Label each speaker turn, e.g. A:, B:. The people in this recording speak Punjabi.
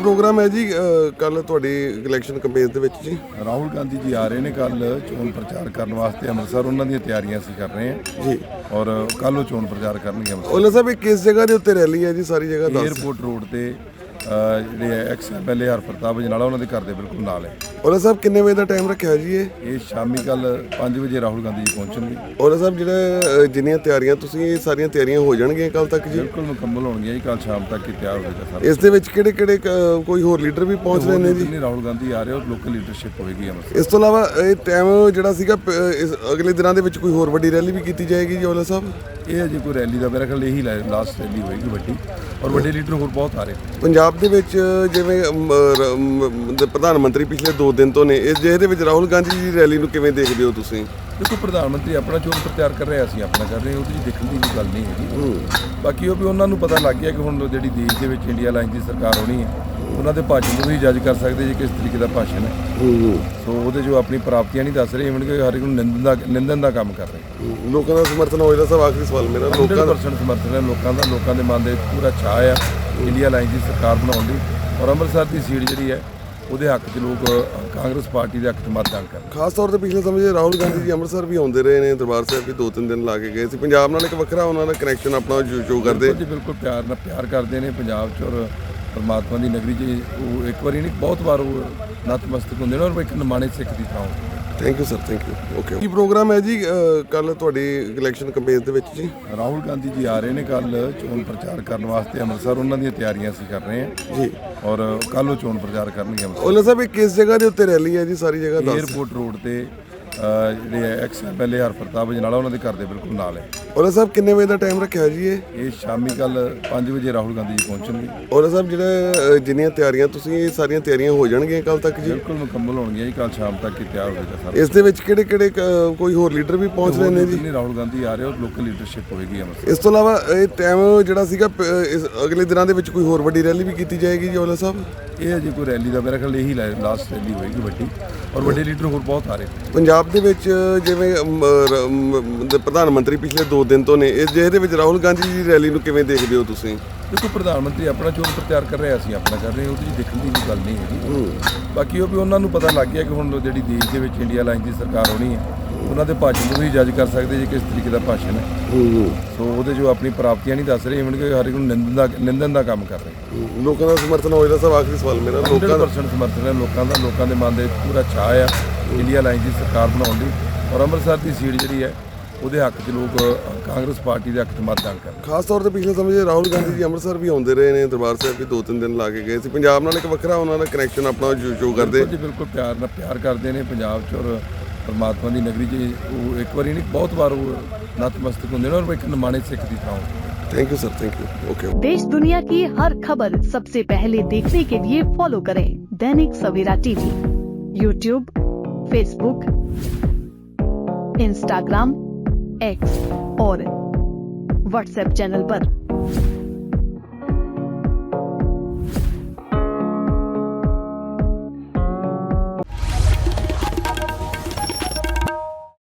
A: प्रोग्राम है जी कल तुहाडी इलैक्शन कैंपेन दे विच जी
B: ਰਾਹੁਲ ਗਾਂਧੀ ਜੀ ਆ ਰਹੇ ਨੇ ਕੱਲ ਚੋਣ ਪ੍ਰਚਾਰ ਕਰਨ ਵਾਸਤੇ ਅੰਮ੍ਰਿਤਸਰ ਉਹਨਾਂ ਦੀਆਂ ਤਿਆਰੀਆਂ ਅਸੀਂ ਕਰ ਰਹੇ ਹਾਂ
A: ਜੀ
B: ਔਰ ਕੱਲ ਉਹ ਚੋਣ ਪ੍ਰਚਾਰ ਕਰਨਗੇ ਅੰਮ੍ਰਿਤਸਰ
A: ओला साहब ये किस जगह ਦੇ ਉੱਤੇ ਰੈਲੀ ਹੈ ਜੀ ਸਾਰੀ ਜਗ੍ਹਾ ਦੱਸ
B: ਏਅਰਪੋਰਟ ਰੋਡ ਤੇ ਜਿਹੜੇ ਐਕਸ ਐਮਐਲਏ ਹਰਪ੍ਰਤਾਪ ਜਨਾਲਾ ਉਹਨਾਂ ਦੇ ਘਰ ਦੇ ਬਿਲਕੁਲ ਨਾਲ ਹੈ।
A: ओला साहब ਕਿੰਨੇ ਵਜੇ ਦਾ ਟਾਈਮ ਰੱਖਿਆ ਜੀ
B: ਇਹ ਸ਼ਾਮੀ ਕੱਲ 5 ਵਜੇ ਰਾਹੁਲ ਗਾਂਧੀ ਜੀ ਪਹੁੰਚਣਗੇ।
A: ओला साहब ਜਿਹੜੇ ਜਿੰਨੀਆਂ ਤਿਆਰੀਆਂ ਤੁਸੀਂ ਇਹ ਸਾਰੀਆਂ ਤਿਆਰੀਆਂ ਹੋ ਜਾਣਗੀਆਂ ਕੱਲ ਤੱਕ ਜੀ
B: ਬਿਲਕੁਲ ਮੁਕੰਮਲ ਹੋਣਗੀਆਂ ਜੀ, ਕੱਲ ਸ਼ਾਮ ਤੱਕ ਹੀ ਤਿਆਰ ਹੋ ਜਾਏਗਾ ਸਾਰਾ।
A: ਇਸ ਦੇ ਵਿੱਚ ਕਿਹੜੇ ਕਿਹੜੇ ਕੋਈ ਹੋਰ ਲੀਡਰ ਵੀ ਪਹੁੰਚ ਰਹੇ ਨੇ ਜੀ?
B: ਜਿੰਨੇ ਰਾਹੁਲ ਗਾਂਧੀ ਆ ਰਹੇ ਔਰ ਲੋਕਲ ਲੀਡਰਸ਼ਿਪ ਹੋਏਗੀ ਅੰਮ੍ਰਿਤਸਰ।
A: ਇਸ ਤੋਂ ਇਲਾਵਾ ਇਹ ਟਾਈਮ ਜਿਹੜਾ ਸੀਗਾ ਅਗਲੇ ਦਿਨਾਂ ਦੇ ਵਿੱਚ ਕੋਈ ਹੋਰ ਵੱਡੀ ਰੈਲੀ ਵੀ ਕੀਤੀ ਜਾਏਗੀ ਜੀ? ओला साहब
B: ਇਹ ਅਜੇ ਕੋਈ ਰੈਲੀ ਦਾ ਮੇਰਾ ਖਿਆਲ ਇਹੀ ਲਾਸਟ ਰੈਲੀ ਹੋਏਗੀ ਵੱਡੀ, ਔਰ ਵੱਡੇ ਲੀਡਰ ਹੋਰ ਬਹੁਤ ਆ ਰਹੇ।
A: ਪੰਜਾਬ ਦੇ ਵਿੱਚ ਜਿਵੇਂ ਪ੍ਰਧਾਨ ਮੰਤਰੀ ਪਿਛਲੇ 2 ਦਿਨ ਤੋਂ ਨੇ ਇਸ ਜਿਹਦੇ ਵਿੱਚ ਰਾਹੁਲ ਗਾਂਧੀ ਜੀ ਦੀ ਰੈਲੀ ਨੂੰ ਕਿਵੇਂ ਦੇਖਦੇ ਹੋ ਤੁਸੀਂ?
B: ਦੇਖੋ ਪ੍ਰਧਾਨ ਮੰਤਰੀ ਆਪਣਾ ਚੋਣ ਪ੍ਰਚਾਰ ਕਰ ਰਿਹਾ, ਅਸੀਂ ਆਪਣਾ ਕਰ ਰਹੇ ਹਾਂ, ਉਹਦੇ 'ਚ ਦੇਖਣ ਦੀ ਕੋਈ ਗੱਲ ਨਹੀਂ ਹੈਗੀ। ਬਾਕੀ ਉਹ ਵੀ ਉਹਨਾਂ ਨੂੰ ਪਤਾ ਲੱਗ ਗਿਆ ਕਿ ਹੁਣ ਜਿਹੜੀ ਦੇਸ਼ ਦੇ ਵਿੱਚ ਇੰਡੀਆ ਲਾਈਨ ਦੀ ਸਰਕਾਰ ਹੋਣੀ ਹੈ, ਉਹਨਾਂ ਦੇ ਭਾਸ਼ਣ ਨੂੰ ਵੀ ਜੱਜ ਕਰ ਸਕਦੇ ਜੀ ਕਿਸ ਤਰੀਕੇ ਦਾ ਭਾਸ਼ਣ ਹੈ। ਸੋ ਉਹਦੇ ਜੋ ਆਪਣੀ ਪ੍ਰਾਪਤੀਆਂ ਨਹੀਂ ਦੱਸ ਰਹੇ, ਇਵਨ ਕਿ ਹਰ ਇੱਕ ਨੂੰ ਨਿੰਦਨ ਦਾ ਕੰਮ ਕਰ ਰਹੇ।
A: ਲੋਕਾਂ ਦਾ ਸਮਰਥਨ ਹੋਏਗਾ ਸਭ? ਆਖਰੀ ਸਵਾਲ ਮੇਰਾ, ਲੋਕਾਂ ਦਾ
B: 100% ਸਮਰਥਨ ਹੈ ਲੋਕਾਂ ਦਾ, ਲੋਕਾਂ ਦੇ ਮਨ ਦੇ ਪੂਰਾ ਚਾਅ ਆ ਇੰਡੀਆ ਲਾਈਨ ਦੀ ਸਰਕਾਰ ਬਣਾਉਣ ਦੀ, ਔਰ ਅੰਮ੍ਰਿਤਸਰ ਦੀ ਸੀਟ ਜਿਹੜੀ ਹੈ ਉਹਦੇ ਹੱਕ 'ਚ ਲੋਕ ਕਾਂਗਰਸ ਪਾਰਟੀ ਦੇ ਹੱਕ 'ਚ ਮਤਦਾਨ ਕਰਨ।
A: ਖਾਸ ਤੌਰ ਤੇ ਪਿਛਲੇ ਸਮੇਂ 'ਚ ਰਾਹੁਲ ਗਾਂਧੀ ਜੀ ਅੰਮ੍ਰਿਤਸਰ ਵੀ ਆਉਂਦੇ ਰਹੇ ਨੇ, ਦਰਬਾਰ ਸਾਹਿਬ ਵੀ 2-3 ਦਿਨ ਲਾ ਕੇ ਗਏ ਸੀ। ਪੰਜਾਬ ਨਾਲ ਇੱਕ ਵੱਖਰਾ ਉਹਨਾਂ ਦਾ ਕਨੈਕਸ਼ਨ ਆਪਣਾ ਸ਼ੋ ਕਰਦੇ
B: ਜੀ, ਬਿਲਕੁਲ ਪਿਆਰ ਕਰਦੇ ਨੇ ਪੰਜਾਬ 'ਚ, ਔਰ ਪਰਮਾਤਮਾ ਦੀ ਨਗਰੀ 'ਚ ਉਹ ਇੱਕ ਵਾਰੀ ਨਹੀਂ ਬਹੁਤ ਵਾਰ ਉਹ ਨਤਮਸਤਕ ਹੁੰਦੇ ਨੇ, ਔਰ ਇੱਕ ਨਿਮਾਣੇ ਸਿੱਖ ਦੀ ਥਾਂ।
A: Thank you sir, thank you. Okay, ਕੀ ਪ੍ਰੋਗਰਾਮ ਹੈ ਜੀ ਕੱਲ ਤੁਹਾਡੀ ਇਲੈਕਸ਼ਨ ਕੈਂਪੇਨ ਦੇ ਵਿੱਚ ਜੀ?
B: ਰਾਹੁਲ ਗਾਂਧੀ ਜੀ ਆ ਰਹੇ ਨੇ ਕੱਲ ਚੋਣ ਪ੍ਰਚਾਰ ਕਰਨ ਵਾਸਤੇ ਅੰਮ੍ਰਿਤਸਰ, ਉਹਨਾਂ ਦੀਆਂ ਤਿਆਰੀਆਂ ਅਸੀਂ ਕਰ ਰਹੇ ਹਾਂ
A: ਜੀ
B: ਔਰ ਕੱਲ ਉਹ ਚੋਣ ਪ੍ਰਚਾਰ ਕਰਨਗੇ ਅੰਮ੍ਰਿਤਸਰ।
A: ओला साहब ये किस जगह ਦੇ ਉੱਤੇ ਰੈਲੀ ਹੈ ਜੀ ਸਾਰੀ ਜਗ੍ਹਾ ਦੱਸ?
B: ਏਅਰਪੋਰਟ ਰੋਡ ਤੇ ਜਿਹੜੇ ਐਕਸ ਐਮਐਲਏ ਹਰਪ੍ਰਤਾਪ ਜਨਾਲਾ ਉਹਨਾਂ ਦੇ ਘਰ ਦੇ ਬਿਲਕੁਲ ਨਾਲ ਹੈ।
A: ओला साहब ਕਿੰਨੇ ਵਜੇ ਦਾ ਟਾਈਮ ਰੱਖਿਆ ਜੀ
B: ਇਹ ਸ਼ਾਮੀ ਕੱਲ 5 ਵਜੇ ਰਾਹੁਲ ਗਾਂਧੀ ਜੀ ਪਹੁੰਚਣਗੇ।
A: ओला साहब ਜਿਹੜੇ ਜਿੰਨੀਆਂ ਤਿਆਰੀਆਂ ਤੁਸੀਂ ਇਹ ਸਾਰੀਆਂ ਤਿਆਰੀਆਂ ਹੋ ਜਾਣਗੀਆਂ ਕੱਲ ਤੱਕ ਜੀ?
B: ਬਿਲਕੁਲ ਮੁਕੰਮਲ ਹੋਣਗੀਆਂ ਜੀ, ਕੱਲ ਸ਼ਾਮ ਤੱਕ ਹੀ ਤਿਆਰ ਹੋ ਜਾਏਗਾ ਸਾਰਾ।
A: ਇਸ ਦੇ ਵਿੱਚ ਕਿਹੜੇ ਕਿਹੜੇ ਕੋਈ ਹੋਰ ਲੀਡਰ ਵੀ ਪਹੁੰਚ ਰਹੇ ਨੇ ਜੀ?
B: ਜਿੰਨੇ ਰਾਹੁਲ ਗਾਂਧੀ ਆ ਰਹੇ ਔਰ ਲੋਕਲ ਲੀਡਰਸ਼ਿਪ ਹੋਏਗੀ ਅੰਮ੍ਰਿਤਸਰ।
A: ਇਸ ਤੋਂ ਇਲਾਵਾ ਇਹ ਟਾਈਮ ਜਿਹੜਾ ਸੀਗਾ ਅਗਲੇ ਦਿਨਾਂ ਦੇ ਵਿੱਚ ਕੋਈ ਹੋਰ ਵੱਡੀ ਰੈਲੀ ਵੀ ਕੀਤੀ ਜਾਏਗੀ ਜੀ? ओला साहब
B: ਇਹ ਅਜੇ ਕੋਈ ਰੈਲੀ ਦਾ ਮੇਰਾ ਖਿਆਲ ਇਹੀ ਲਾਸਟ ਰੈਲੀ ਹੋਏਗੀ ਵੱਡੀ, ਔਰ ਵੱਡੇ ਲੀਡਰ ਹੋਰ ਬਹੁਤ ਆ ਰਹੇ।
A: ਪੰਜਾਬ ਦੇ ਵਿੱਚ ਜਿਵੇਂ ਪ੍ਰਧਾਨ ਮੰਤਰੀ ਪਿਛਲੇ 2 ਦਿਨ ਤੋਂ ਨੇ ਇਸ ਜਿਹਦੇ ਵਿੱਚ ਰਾਹੁਲ ਗਾਂਧੀ ਜੀ ਦੀ ਰੈਲੀ ਨੂੰ ਕਿਵੇਂ ਦੇਖਦੇ ਹੋ ਤੁਸੀਂ?
B: ਦੇਖੋ ਪ੍ਰਧਾਨ ਮੰਤਰੀ ਆਪਣਾ ਚੋਣ ਪ੍ਰਚਾਰ ਕਰ ਰਿਹਾ, ਅਸੀਂ ਆਪਣਾ ਕਰ ਰਹੇ ਹਾਂ, ਉਹਦੇ 'ਚ ਦੇਖਣ ਦੀ ਕੋਈ ਗੱਲ ਨਹੀਂ ਹੈਗੀ। ਬਾਕੀ ਉਹ ਵੀ ਉਹਨਾਂ ਨੂੰ ਪਤਾ ਲੱਗ ਗਿਆ ਕਿ ਹੁਣ ਜਿਹੜੀ ਦੇਸ਼ ਦੇ ਵਿੱਚ ਇੰਡੀਆ ਲਾਈਨ ਦੀ ਸਰਕਾਰ ਹੋਣੀ ਹੈ, ਉਹਨਾਂ ਦੇ ਭਾਸ਼ਣ ਨੂੰ ਵੀ ਜੱਜ ਕਰ ਸਕਦੇ ਜੀ ਕਿਸ ਤਰੀਕੇ ਦਾ ਭਾਸ਼ਣ ਹੈ। ਸੋ ਉਹਦੇ ਜੋ ਆਪਣੀ ਪ੍ਰਾਪਤੀਆਂ ਨਹੀਂ ਦੱਸ ਰਹੇ, ਇਵਨ ਕਿ ਹਰ ਇੱਕ ਨੂੰ ਨਿੰਦਨ ਦਾ ਕੰਮ ਕਰ ਰਹੇ।
A: ਲੋਕਾਂ ਦਾ ਸਮਰਥਨ ਹੋਏਗਾ ਸਭ? ਆਖਰੀ ਸਵਾਲ ਮੇਰਾ, ਲੋਕਾਂ ਦਾ
B: 100% ਸਮਰਥਨ ਹੈ ਲੋਕਾਂ ਦਾ, ਲੋਕਾਂ ਦੇ ਮਨ ਦੇ ਪੂਰਾ ਚਾਅ ਆ ਇੰਡੀਆ ਲਾਈਨ ਦੀ ਸਰਕਾਰ ਬਣਾਉਣ ਦੀ, ਔਰ ਅੰਮ੍ਰਿਤਸਰ ਦੀ ਸੀਟ ਜਿਹੜੀ ਹੈ ਉਹਦੇ ਹੱਕ 'ਚ ਲੋਕ ਕਾਂਗਰਸ ਪਾਰਟੀ ਦੇ ਹੱਕ 'ਚ ਮਤਦਾਨ ਕਰਨ।
A: ਖਾਸ ਤੌਰ ਤੇ ਪਿਛਲੇ ਸਮੇਂ 'ਚ ਰਾਹੁਲ ਗਾਂਧੀ ਜੀ ਅੰਮ੍ਰਿਤਸਰ ਵੀ ਆਉਂਦੇ ਰਹੇ ਨੇ, ਦਰਬਾਰ ਸਾਹਿਬ ਵੀ 2-3 ਦਿਨ ਲਾ ਕੇ ਗਏ ਸੀ। ਪੰਜਾਬ ਨਾਲ ਇੱਕ ਵੱਖਰਾ ਉਹਨਾਂ ਦਾ ਕਨੈਕਸ਼ਨ ਆਪਣਾ ਸ਼ੋ ਕਰਦੇ
B: ਜੀ, ਬਿਲਕੁਲ ਪਿਆਰ ਕਰਦੇ ਨੇ ਪੰਜਾਬ 'ਚ, ਔਰ ਪਰਮਾਤਮਾ ਦੀ ਨਗਰੀ 'ਚ ਉਹ ਇੱਕ ਵਾਰੀ ਨਹੀਂ ਬਹੁਤ ਵਾਰ ਉਹ ਨਤਮਸਤਕ ਹੁੰਦੇ ਨੇ, ਔਰ ਇੱਕ ਨਿਮਾਣੇ ਸਿੱਖ ਦੀ ਥਾਂ।
A: Thank you sir, thank you. Okay.
C: देश दुनिया की हर खबर सबसे पहले देखने के लिए फॉलो करें Dainik Savera TV, YouTube, Facebook, Instagram, X और व्हाट्सएप चैनल पर।